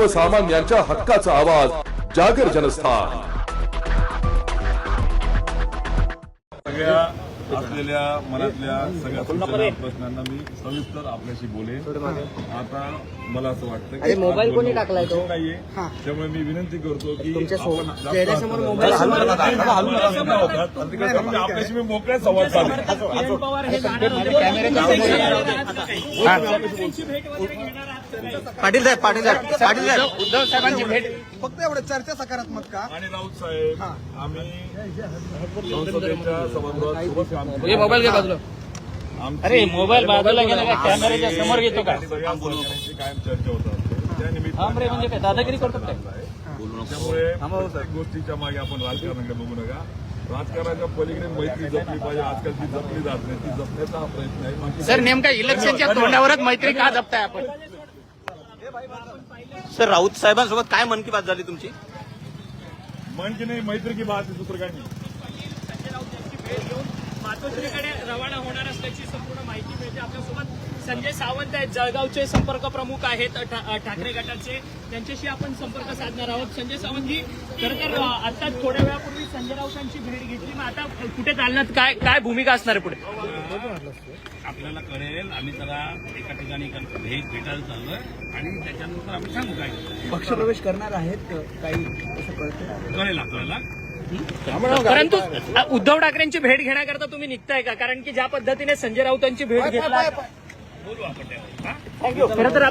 सर्वसामान्यांच्या हक्काचा आवाज जागर जनस्थान। सगळ्या असलेल्या मनातल्या सगळ्या सूचना प्रश्नांना मी सविस्तर आपल्याशी बोलेन। आता मला असं वाटतं की मोबाईल कोणी टाकलाय तो नाहीये, त्यामुळे मी विनंती करतो की चेहऱ्यासमोर मोबाईल आपल्याशी मी मोकळ्या संवाद साधेन। पाटील साहेब उद्धव साहेबांची भेट फक्त एवढं चर्चा सकारात्मक का? आणि राऊत साहेब आम्ही संसदेच्या सभागृहात सोबत काम केलं। मोबाईल घे बाजूला। अरे मोबाईल बाजूला गेला का कॅमेऱ्याच्या समोर घेतो का? सगळ्या बोलण्याची कायम चर्चा होतात त्या निमित्ताने म्हणजे काय दादागिरी करतात काय? त्यामुळे प्रत्येक गोष्टीच्या मागे आपण राजकारणाकडे बघू नका। राजकारणाच्या पलीकडे मैत्री जपली पाहिजे। आजकाल ती जपली जात नाही, ती जपण्याचा हा प्रयत्न आहे। सर नेमका इलेक्शनच्या तोंडावरच मैत्री का जपताय आपण? सर राऊत साहेबांसोबत काय मन की बात झाली तुमची? मन की नाही मैत्री की बात सूत्र काय नाही। मातोश्रीकडे रवाना होणार असल्याची संपूर्ण माहिती मिळते। आपल्यासोबत संजय सावंत आहेत, जळगावचे संपर्क प्रमुख आहेत ठाकरे गटाचे, त्यांच्याशी आपण संपर्क साधणार आहोत। संजय सावंतजी, खरं तर आता थोड्या वेळापूर्वी संजय राऊतांची भेट घेतली, मग आता कुठे चालण्यात काय भूमिका असणार आहे पुढे? आपल्याला कळेल, आम्ही जरा एका ठिकाणी भेटायला चाललोय आणि त्याच्यानंतर आम्ही सांगू काय पक्षप्रवेश करणार आहेत काही असं कळतं? कळेल आपल्याला। परंतु उद्धव ठाकरेंची भेट घेण्याकरता तुम्ही निघताय का? कारण की ज्या पद्धतीने संजय राऊतांची भेट घेतली, बोलू आपण त्यावर। खरं तर